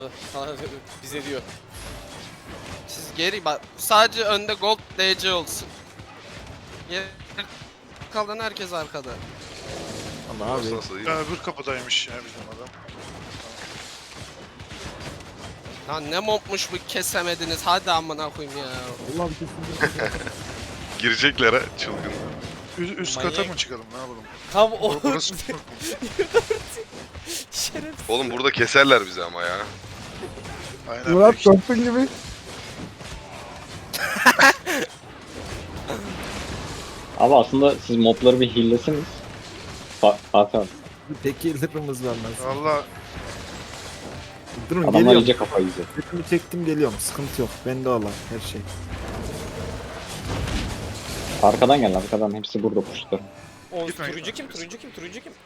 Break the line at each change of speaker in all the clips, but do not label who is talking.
Sana bize diyor.
Siz geri bak, sadece önde gold DC olsun. Geri kalan herkes arkada.
Ama abi
Nasıl iyi?
Ya öbür kapıdaymış ya bizim adam.
Lan ne mobmuş bu, kesemediniz, hadi amına koyayım ya.
Allah bir kesin.
Girecekler ha çılgın.
Üst
Manyak.
kata mı çıkalım ne yapalım?
Tam o.
Burası
Şerefsiz.
Oğlum burada keserler bizi ama ya.
aynen.
Murat
peki.
korktun gibi.
Abi aslında siz mobları bir heal'lesiniz. Fatih abi.
Tek yıldırımız var lan.
Valla
Durun
Adamlar
geliyorum.
iyice kafayı yiyecek.
Setimi çektim geliyorum. Sıkıntı yok. Bende olan her şey.
Arkadan gel arkadan. Hepsi burada kuşlar.
O
Gitme,
turuncu
gitme.
kim? Turuncu kim? Turuncu kim?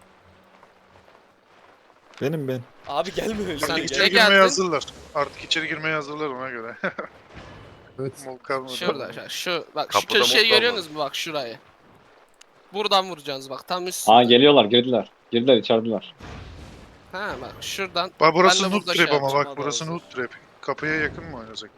Benim ben.
Abi gelme öyle.
Sen
Gel.
içeri
ne
girmeye
geldin?
hazırlar. Artık içeri girmeye hazırlar ona göre.
Evet.
Mol kalmadı.
Şurada, şu bak, şu
Kapıda
köşeyi
mob var
görüyorsunuz mu, bak şurayı. Buradan vuracaksınız bak, tam üstünde.
Aa geliyorlar girdiler. Girdiler içeridiler.
Ha bak şuradan.
Bak burası
Ben de
noob
burada
trap
şey
ama
yapacağım,
bak burası
adam.
noob trap. Kapıya yakın mı oynasak?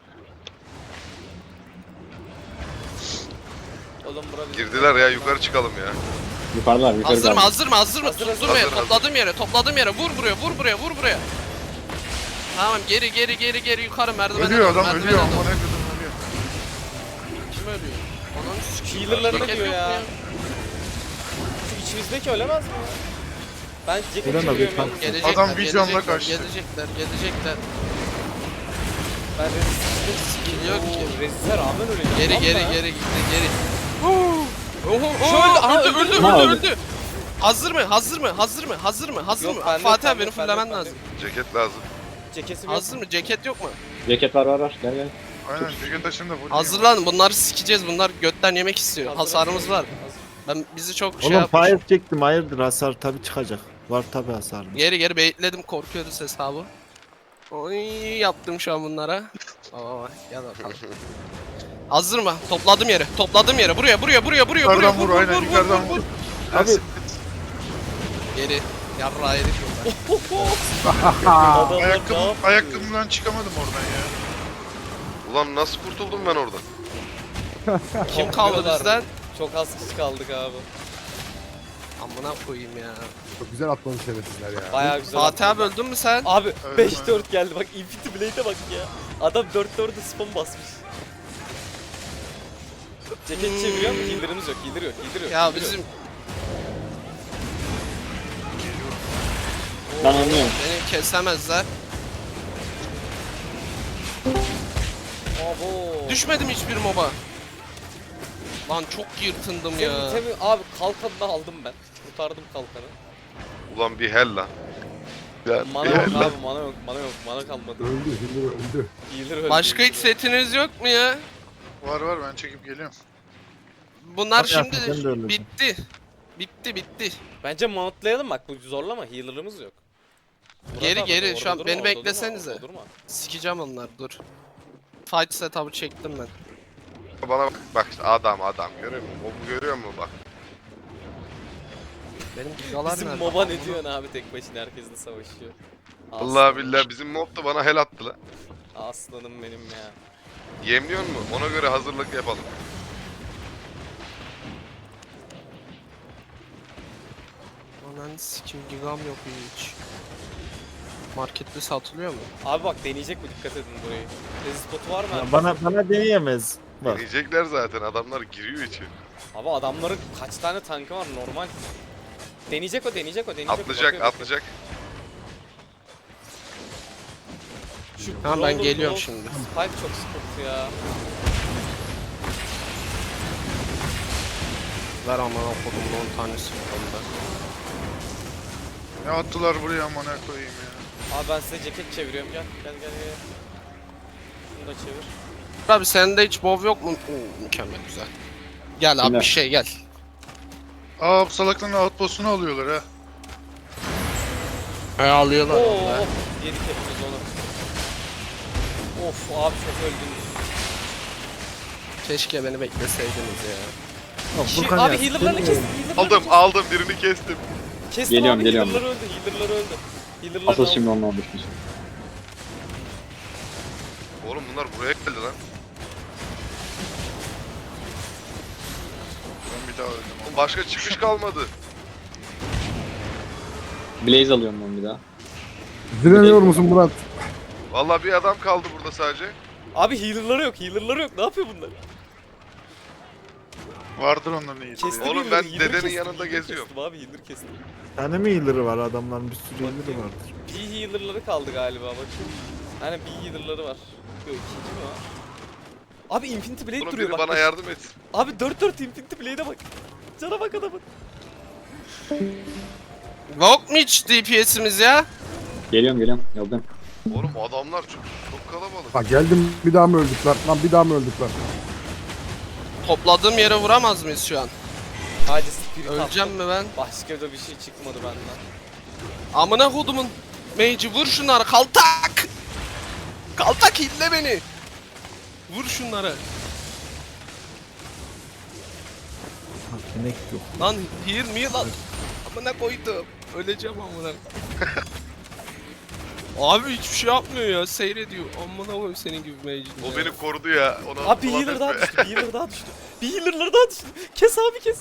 Oğlum bura bizim.
Girdiler ya, yukarı çıkalım ya.
Yukarılar yukarı
Hazır mı,
geldi.
hazır mı, hazır mı?
Hazır, hazır.
Durmaya,
Hazır, hazır.
topladığım yere, vur buraya, vur buraya, vur buraya. Tamam, geri yukarı, merdivene
Ölüyor
doğru,
adam
merdivene
ölüyor.
doğru.
Aman ne kadar ölüyor.
Kim ölüyor? Ananı sikeyim.
Healer'larına
Ceket
diyor
yok
ya.
mu
Şu içimizdeki ölemez mi ya? Ben ceket
Ölemez,
çeviriyorum
lütfen.
yalnız.
Gelecekler,
Adam vizyonla
gelecekler,
kaçtı.
Gelecekler.
Ben resistime
Skill yok ki.
Resist'e rağmen öleceğim.
Geri gitti.
Şöyle, aha,
Öldü. Hazır mı?
Yok, bende
Fatih
yok,
abi, benim
bende
fullemen
yok,
lazım.
Ceket lazım.
Ceketi bir
Hazır mı? Ceket yok mu?
Ceket var gel gel.
Aynen ceket taşında full.
Hazırlan, bunları sikeceğiz. Bunlar götten yemek istiyor. Hasarımız var. Bizi çok şey
Oğlum
yapmış.
fire çektim. Hayırdır hasar tabi çıkacak. Var tabi hasar.
Geri baitledim, korkuyoruz hesabı. Oy, yaptım şu an bunlara. Gel bakalım. Hazır mı? Topladım yere. Buraya.
Yukarıdan vur aynen yukarıdan vur.
Abi
Geri. Yarrağı yedik burada.
Adamlar ne yapıyor?
Ayakkabımdan çıkamadım oradan ya.
Ulan nasıl kurtuldum ben oradan?
Kim kaldı
Yapıyorlar.
bizden?
Çok az kişi kaldık abi.
Amına koyayım ya.
Çok güzel atladı şerefsizler ya.
Bayağı güzel.
Fatih abi
atladı.
öldün mü sen?
Abi
Evet,
5-4 geldi bak, Infinity Blade'e bak ya. Adam 4-4'e spam basmış. Ceket çeviriyor mu? Healer'ımız yok. Healer yok.
Ya
healer yok.
bizim
Ben anlıyorum.
beni kesemezler.
Abo.
Düşmedim hiçbir moba. Lan çok yırtındım ya.
Abi kalkanını aldım ben. Kurtardım kalkanı.
Ulan bir hell lan. Ya,
Mana
bir
yok
hell lan.
abi, mana kalmadı.
Öldü, Hildur öldü.
Healer öldü.
Başka hiç setiniz yok mu ya?
Var ben çekip geliyorum.
Bunlar
Tabii
şimdi
yaptım, ben de öyle
bitti. Bitti.
Bence mountlayalım bak, bu zorlama, healer'ımız yok. Murat
Geri,
abi, orada
şu an
durma,
beni
orada durma,
beklesenize.
orada durma.
Sikeceğim onları, dur. Fight setup'ı çektim ben.
Bana bak işte adam görüyor musun? O görüyor musun bak?
Benim gigalar
Bizim
nerede?
moba ne diyorsun abi, tek başına herkesle savaşıyor.
Allah billah bizim mob da bana hell attı la.
Aslanım benim ya.
Yemliyor mu? Ona göre hazırlık yapalım.
Ananı sikim, gigam yok hiç. Markette satılıyor mu?
Abi bak, deneyecek mi, dikkat edin burayı. Resist spotu var mı?
ya bana deneyemez. Bak.
Deneyecekler zaten, adamlar giriyor içeri.
Abi adamların kaç tane tankı var normal. Deneyecek o.
Atlayacak.
Şu
Tamam, ben
Brawler,
geliyorum
Brawl,
şimdi.
Spike çok sıkıntı ya.
Ver aman okudum 10 tanesi onda.
Ne attılar buraya amına koyayım ya.
Abi ben size ceket çeviriyorum, gel. Bunu da çevir.
Abi sende hiç bov yok mu? Oo, mükemmel, güzel. Gel abi,
Kimler?
bir şey gel.
Aa bu salakların outpost'unu alıyorlar ha.
Alıyorlar
Oo,
vallahi.
yedik hepimiz onu. Of abi, çok öldünüz.
Keşke beni bekleseydiniz ya.
Bak,
Şey,
Furkan
abi
ya,
healer'larını
deneyemez.
kestim.
Aldım birini kestim.
Kestim
Geliyorum,
abi,
geliyorum.
healer'lar öldü. Healer'lar
Asıl
aldım.
şimdi onunla düşmüş.
Oğlum bunlar buraya geldi lan.
Ben bir daha öldüm.
Oğlum başka çıkış kalmadı.
Blaze alıyorum ben bir daha.
Direniyor musun Murat?
Vallahi bir adam kaldı burada sadece.
Abi healer'ları yok, healer'ları yok. Ne yapıyor bunlar?
Vardır onların iyisi.
Kestim
Oğlum
healer'ı,
ben
healer
dedenin
kestim,
yanında
healer
geziyorum.
Kestim abi, healer kestim.
Bir tane mi healer'ı var adamların bir sürü healer'ı vardır.
Bir healer'ları kaldı galiba bakayım. Hani bir healer'ları var. Yok, ikinci mi var? Abi Infinity Blade
Oğlum
duruyor
biri
bak.
bana yardım etsin.
Abi 4-4 Infinity Blade'e bak. Cana bak adamın.
Yok mu hiç DPS'imiz ya?
Geliyorum. Geldim.
Oğlum adamlar çok kalabalık.
Ha geldim bir daha mı öldük lan? Lan bir daha mı öldük lan?
Topladığım yere vuramaz mıyız şu an?
Hadi spirit
Öleceğim
attım.
mi ben?
Başka da bir şey çıkmadı benden.
Amına kodumun mage'i vur şunları kaltak! Kaltak hille beni! Vur şunları.
Ha, inek yok.
Lan heal me lan. Amına koydum. Öleceğim amına. Abi hiçbir şey yapmıyor ya. Seyrediyor. Amına koyayım senin gibi mage'in.
O
ya.
beni korudu ya. Ona
Abi bir healer daha düştü, bir healer daha düştü. Bir healer'ları daha düştü. Kes abi kes.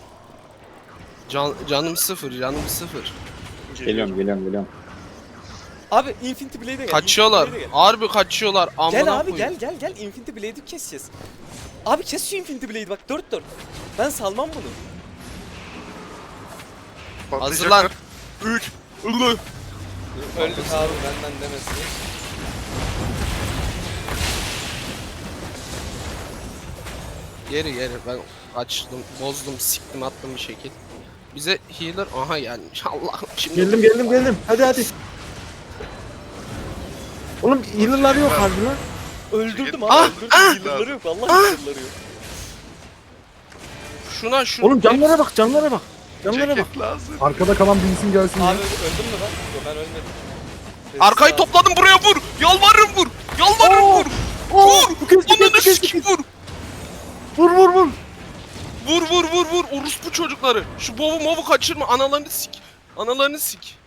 Canım sıfır.
Geliyorum.
Abi Infinity Blade'e gel.
Kaçıyorlar.
Infinity Blade'e gel.
Harbi kaçıyorlar. Amına
Gel abi
koyayım.
gel Infinity Blade'i keseceğiz. Abi kes şu Infinity Blade'i bak 4-4. Ben salmam bunu.
Hazırlan. 3.
Öldük abi benden demesin.
Geri ben açtım, bozdum, siktim, attım bir şekil. Bize healer aha gelmiş. Allah'ım şimdi.
Geldim. Hadi. Oğlum healer'lar yok harbi lan.
Öldürdüm abi
Ah,
öldürdüm. Healer'ları yok vallahi healer'ları yok.
Şuna şu.
Oğlum canlara bak. Canlara bak.
Ceket lazım.
Arkada kalan bir isim gelsin ya.
Abi öldüm mü ben? Yok ben ölmedim.
Arkayı
Abi.
topladım buraya vur. Yalvarırım vur. Vur. Ananı sikeyim vur.
Vur.
Vur. Orospu çocukları. Şu bovu movu kaçırma. Analarını sik.